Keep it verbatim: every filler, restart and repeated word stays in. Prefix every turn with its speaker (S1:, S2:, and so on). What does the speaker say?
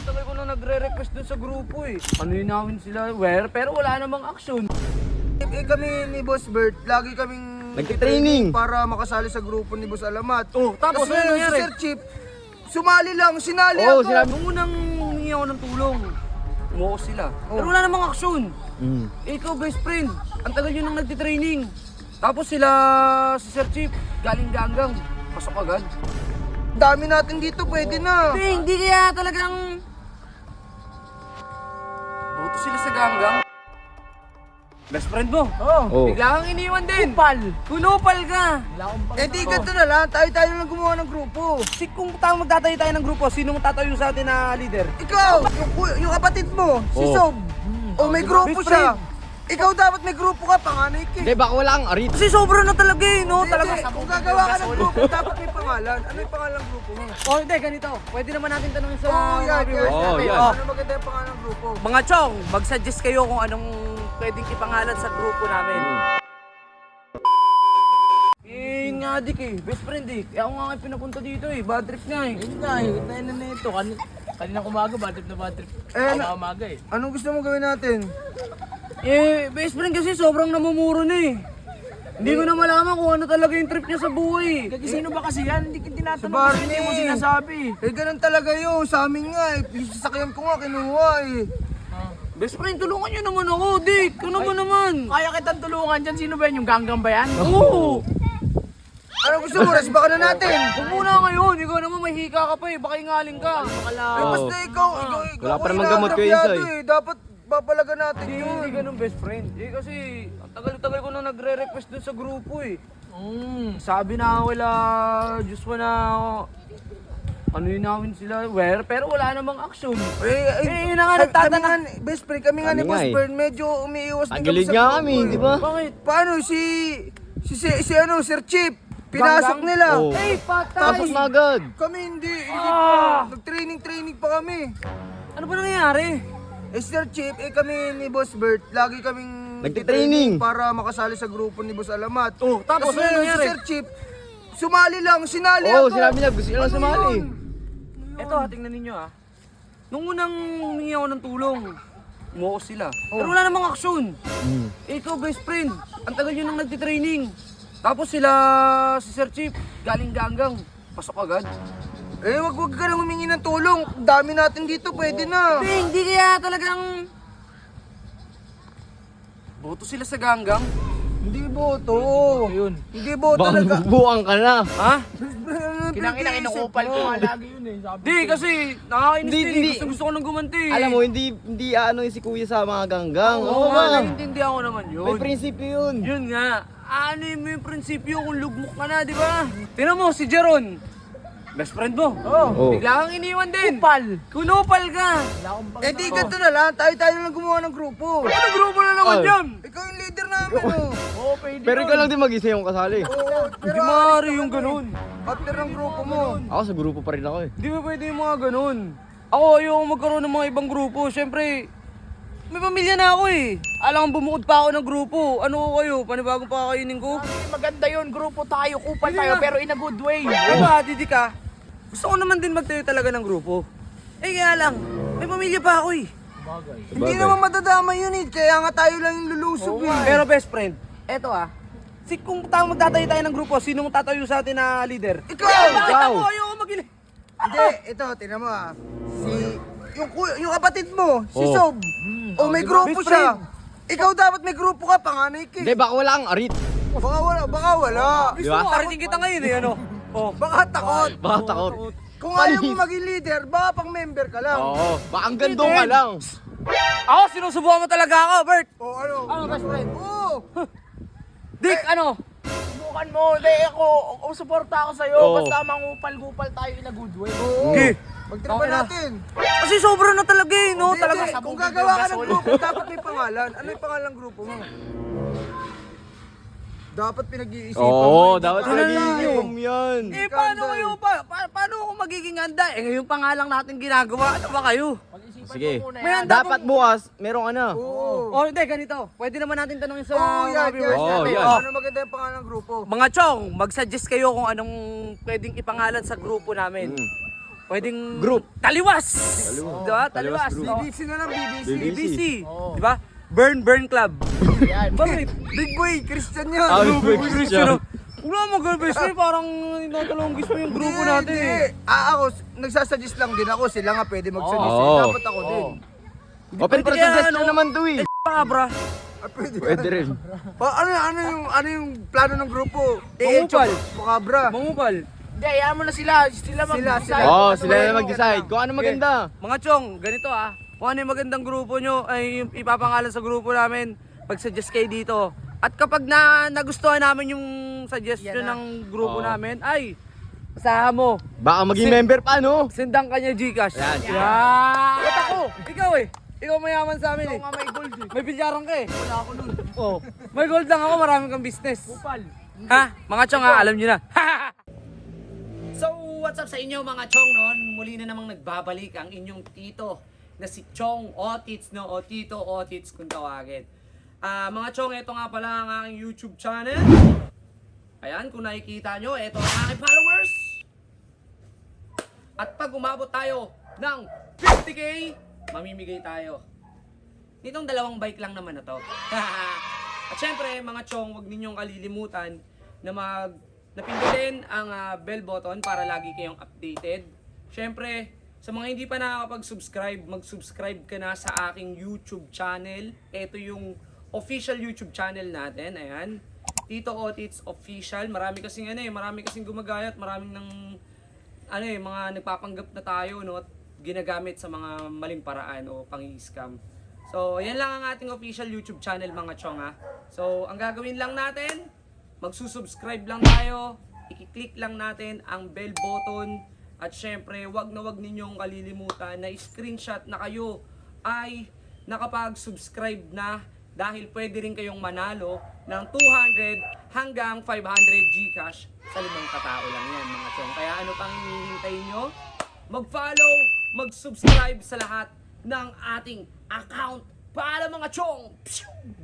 S1: tagal ko na nagre-request dun sa grupo eh. Ano yun namin sila, where? Pero wala namang action.
S2: Eh kami ni Boss Bert, lagi kaming
S3: nagtitraining
S2: para makasali sa grupo ni Boss Alamat.
S1: Oh, tapos
S2: Kasi
S1: ano
S2: si
S1: nangyari?
S2: Sir Chief, sumali lang, sinali
S3: Oo,
S2: ako.
S3: sinabi-
S1: Nung unang humingi ako ng tulong, umuo sila.
S2: Oh.
S1: Pero wala namang action.
S3: Mm.
S1: Eh, ikaw, best friend, ang tagal yun nang nagtitraining. Tapos sila, si Sir Chief, galing ganggang. Pasok agad.
S2: Dami natin dito, pwede na.
S1: Hindi, hindi kaya talagang... Boto sila sa ganggang. Best friend mo.
S2: Oh.
S3: Oh.
S1: Bigla kang iniwan din. Kupal. Kunupal ka.
S2: Eh di ganito na lang, tayo-tayo lang gumawa ng grupo.
S1: Si kung tayo magtatayo tayo ng grupo, sino magtatayo sa atin na leader?
S2: Ikaw, yung, ku- yung kapatid mo, si
S3: Oh.
S2: Sob. O may grupo
S1: Best
S2: siya. Ikaw dapat may grupo ka, panganay ka.
S3: Hindi, baka wala kang arit.
S1: Kasi sobra na talaga eh, no?
S2: Hindi,
S1: Talaga
S2: hindi. Kung gagawa ka ng grupo, dapat may pangalan. Ano yung pangalan ng grupo mo?
S1: Oh, hindi, ganito. Pwede naman natin tanongin sa
S2: Oo, oh, yan,
S1: mga
S2: yan.
S1: viewers
S3: Oo,
S1: natin.
S3: yan.
S1: Oh,
S2: Ano maganda yung pangalan ng grupo?
S1: mga chong, mag-suggest kayo kung anong pwedeng ipangalan sa grupo namin. Eh, yun nga dik eh, best friend eh. Kaya ako nga kayo pinapunta dito eh, bad trip nga eh.
S4: Yun nga, eh, tayo na nito. Kan kanina umaga, bad trip na bad trip.
S2: Eh,
S4: Eh,
S2: na-
S4: umaga eh.
S2: Anong gusto mo gawin natin?
S1: Eh, best friend kasi sobrang namumuro na eh. Hindi ko na malaman kung ano talaga yung trip niya sa buhay.
S4: Kasi sino ba kasi yan? Hindi kita tinatanong.
S2: Sa Barney.
S4: Hindi mo sinasabi.
S2: Eh, ganun talaga yun. Sa amin nga eh. Yung sasakyan ko nga, kinuha eh.
S1: Best friend, tulungan niyo naman ako, Dick. Ano ba naman?
S4: Kaya kitang tulungan dyan. Sino ba yan? Yung ganggang ba yan?
S1: Oo.
S2: Ano gusto mo? Resba ka na natin.
S1: Huwag muna ngayon, ikaw naman may hika ka pa eh, baka ingaling ka.
S2: Eh,
S3: Oo.
S2: basta ikaw, ikaw, ikaw.
S3: Wala pa
S2: ang
S3: namang gamot kayo,
S2: inaagrabyado
S3: Insoy.
S2: eh. Dapat babalaga natin
S1: Hindi,
S2: yun.
S1: hindi ganun best friend. Eh kasi, ang tagal-tagal ko na nagre-request dun sa grupo eh.
S4: Mm.
S1: Sabi na wala, Diyos mo na, ano yun namin sila, where? Pero wala namang action.
S2: Eh,
S1: Eh, yun na nga
S2: kami
S1: nagtatana.
S2: nga, best friend, kami nga
S3: Kami
S2: ni
S3: nga
S2: Boss
S3: eh.
S2: Bern, medyo umiiwas din
S3: Tagilid
S2: sa
S3: nga
S2: grupo
S3: kami,
S2: eh.
S3: di ba?
S1: Bakit?
S2: Paano si, si, si, si ano, Sir Chip, pinasok
S1: Ganggang?
S2: nila.
S3: Oo.
S1: Eh, patay!
S3: Tapos na agad.
S2: Kami hindi, hindi
S1: Ah!
S2: pa. Nag-training-training pa kami.
S1: Ano ba nangyayari?
S2: Eh, Sir Chip, eh kami ni Boss Bert, lagi kaming
S3: Nagtitraining.
S2: para makasali sa grupo ni Boss Alamat.
S1: Oh, tapos
S2: Kasi
S1: ano
S2: si
S1: nangyari?
S2: Sir Chip, sumali lang, sinali
S3: Oo,
S2: ako.
S3: sinabi niya, gusto niya lang
S2: Ano
S3: sumali.
S2: yun?
S1: Eto ha, tingnan ninyo ha. Nung unang humingi ako ng tulong, umuo sila.
S2: Oh.
S1: Pero wala namang aksyon.
S3: Mm.
S1: Eh, ikaw, best friend, ang tagal yun nang nagtitraining. Tapos sila, si Sir Chief, galing ganggang. Pasok agad.
S2: Eh, wag wag ka nang humingi ng tulong. Dami natin dito, pwede na.
S1: Hindi, hindi kaya talagang... Boto sila sa ganggang.
S2: Hindi boto.
S4: Yun.
S2: Hindi boto
S3: Baka
S2: talaga.
S3: bubuang ka na.
S1: Ha?
S4: Kinangina, kinukupal ko nga lagi yun eh. Sabi
S1: Hindi, kasi nakakainis
S3: Hindi,
S1: din eh.
S3: hindi.
S1: Gusto, gusto ko nang gumanti eh.
S3: Alam mo, hindi hindi ano yung si kuya sa mga ganggang.
S1: Oo
S3: Oo
S1: nga,
S3: ba?
S1: naiintindihan ko naman yun.
S3: May prinsipyo yun.
S1: Yun nga. Ano yung may prinsipyo kung lugmok ka na, di ba? Tingnan mo, si Jeron. Best friend mo.
S3: Oh.
S1: Bigla kang iniwan din. Kupal. Kunupal ka.
S2: Eh di ganito na lang, tayo-tayo lang gumawa ng grupo.
S1: Ano grupo na naman
S3: Oh.
S1: yan?
S2: Ikaw yung leader namin, oh.
S4: Oo, pwede
S3: Pero
S4: yun.
S3: ikaw lang din mag-isa yung kasali.
S2: Oo,
S1: Hindi
S2: pero
S1: maaari yung ganun.
S2: after ng grupo mo.
S3: Ako sa grupo pa rin ako eh.
S1: Hindi ba pwede yung mga ganun? Ako, ayoko magkaroon ng mga ibang grupo. Siyempre, may pamilya na ako eh. Alam kong bumukod pa ako ng grupo. Ano ko kayo? Panibagong pakakainin ko?
S4: Ay, maganda yun. Grupo tayo, kupal
S1: Hindi
S4: tayo,
S1: nga.
S4: pero in a good way.
S1: Diba, Didi ka? Gusto ko naman din magtayo talaga ng grupo. Eh kaya lang, may pamilya pa ako eh.
S2: Hindi naman madadama yun eh, kaya nga tayo lang yung lulusob eh.
S1: Pero best friend, eto ah. Si kung tayo magtatayo tayo ng grupo, sino magtatayo sa atin na leader?
S2: Ikaw!
S1: Bakit
S3: Ikaw!
S1: ako? Ayoko magili.
S2: Hindi, ito, tingnan mo ah. Si, yung, ku- yung kapatid mo, si
S3: Oh.
S2: Sob. O may grupo
S1: Best
S2: siya. Ikaw dapat may grupo ka, panganay ka.
S3: Hindi,
S2: eh.
S3: baka wala kang arit.
S2: Baka wala, baka wala.
S1: Gusto
S3: Diba?
S1: mo, aritin kita ngayon eh, ano? Oh.
S2: Baka takot.
S3: Baka takot.
S2: Kung ayaw mo maging leader, baka pang member ka lang.
S3: Oo, baka ang gandong ka lang.
S1: Ako, sinusubukan mo talaga ako, Bert.
S2: O ano?
S1: Ano, best friend?
S2: Oo.
S1: Dick, ano?
S4: Subukan mo. Hindi, ako, ako suporta ako sa'yo.
S3: Oo.
S4: Basta mangupal-gupal tayo in a good way.
S2: Oo.
S1: Okay.
S2: Magtripa
S1: Okay na.
S2: natin.
S1: Kasi sobra na talaga eh, no?
S2: Hindi,
S1: Talaga
S2: hindi.
S1: sa
S2: Kung gagawa ka ng grupo, dapat may pangalan. Ano yung pangalan ng grupo mo? Dapat pinag-iisipan mo.
S3: Oo,
S2: hindi
S3: dapat
S2: ka-
S3: pinag-iisip mo yan.
S1: Eh, paano kayo pa? Pa- paano ako magiging handa? Eh, ngayon pa nga lang natin ginagawa. Ano ba kayo?
S4: Pag-isipan
S3: Sige.
S4: mo muna
S1: May
S4: yan.
S1: handa
S3: Dapat
S1: pang-
S3: bukas, merong ano.
S2: Oo.
S1: Oh, hindi, ganito. Pwede naman natin tanongin sa
S2: Oo, yan,
S1: mga
S2: yan.
S1: viewers
S3: Oo,
S1: natin.
S3: yan.
S1: Oh,
S2: Ano maganda yung pangalan ng grupo?
S1: mga chong, mag-suggest kayo kung anong pwedeng ipangalan sa grupo namin.
S3: Mm.
S1: pwedeng
S3: Group.
S1: Taliwas.
S3: Taliwas.
S1: Diba?
S3: Taliwas
S1: Taliwas.
S3: group.
S1: no?
S2: B B C na lang, B B C.
S3: B
S1: B B C.
S4: Oo.
S1: Diba? Burn Burn Club.
S4: Yan.
S1: Bakit?
S2: Big boy, Christian yun.
S3: Ah,
S1: Ano
S3: Big
S1: ba
S3: Christian.
S1: Christian? Wala mo girlbest mo, parang inatalonggis mo yung grupo
S2: Hindi,
S1: natin
S2: hindi.
S1: eh.
S2: Ah, ako, nagsasuggest lang din ako. Sila nga pwede mag-suggest.
S3: Oo.
S2: eh. Dapat ako din.
S3: Open for
S1: Pwede kaya,
S3: suggestion
S1: ano?
S3: naman to eh.
S1: Cabra.
S2: Ah, pwede.
S3: Pwede rin.
S2: Pa, ano, ano, yung, ano yung plano ng grupo?
S1: Mangupal.
S2: Mukabra.
S1: Mangupal.
S4: Hindi, hayaan mo na sila. Sila mag
S2: Sila, sila.
S3: Oo, oh,
S2: Ano
S3: sila
S2: ba
S3: na
S2: yung
S3: mag-decide.
S2: maganda?
S3: Kung ano maganda.
S1: Mga chong, ganito ah. Kung ano yung magandang grupo nyo, ay yung ipapangalan sa grupo namin. Pag-suggest kayo dito. At kapag na nagustuhan namin yung suggestion
S2: Yan na.
S1: ng grupo
S3: Oo.
S1: namin, ay, asahan mo,
S3: Baka maging
S1: Si-
S3: member pa, no?
S1: sendang kanya Gcash.
S3: Yan.
S1: Yan. Ba't ako? Ikaw eh. Ikaw mayaman sa amin eh.
S4: nga may gold eh.
S1: May bilyaran ka eh.
S4: Wala ako nun.
S1: Oh. May gold lang ako, marami kang business.
S4: Kupal.
S1: Ha? Mga chong ha, alam nyo na.
S5: So, what's up sa inyo mga chong noon? Muli na namang nagbabalik ang inyong tito na si Chong Otits, no? O Tito Otits kung tawagin. Ah, mga chong, ito nga pala ang aking YouTube channel. Ayan, kung nakikita nyo, ito ang aking followers. At pag umabot tayo ng fifty K, mamimigay tayo. Nitong dalawang bike lang naman na to. At syempre, mga chong, huwag ninyong kalilimutan na mag napindutin ang ah, bell button para lagi kayong updated. Syempre, sa mga hindi pa nakakapag-subscribe, mag-subscribe ka na sa aking YouTube channel. Ito yung official YouTube channel natin. Ayan. Tito Otits Official. Marami kasing ano eh, marami kasing gumagayat, maraming ng ano eh, mga nagpapanggap na tayo, no, at ginagamit sa mga maling paraan o pang-scam. So, yan lang ang ating official YouTube channel mga chong ha. So, ang gagawin lang natin, magsusubscribe lang tayo, i-click lang natin ang bell button, at syempre, wag na wag ninyong kalilimutan na screenshot na kayo ay nakapag-subscribe na, dahil pwede rin kayong manalo ng two hundred hanggang five hundred Gcash sa limang katao lang yan mga chong. Kaya ano pang hinihintay nyo? Mag-follow, mag-subscribe sa lahat ng ating account para mga chong! Pshoo!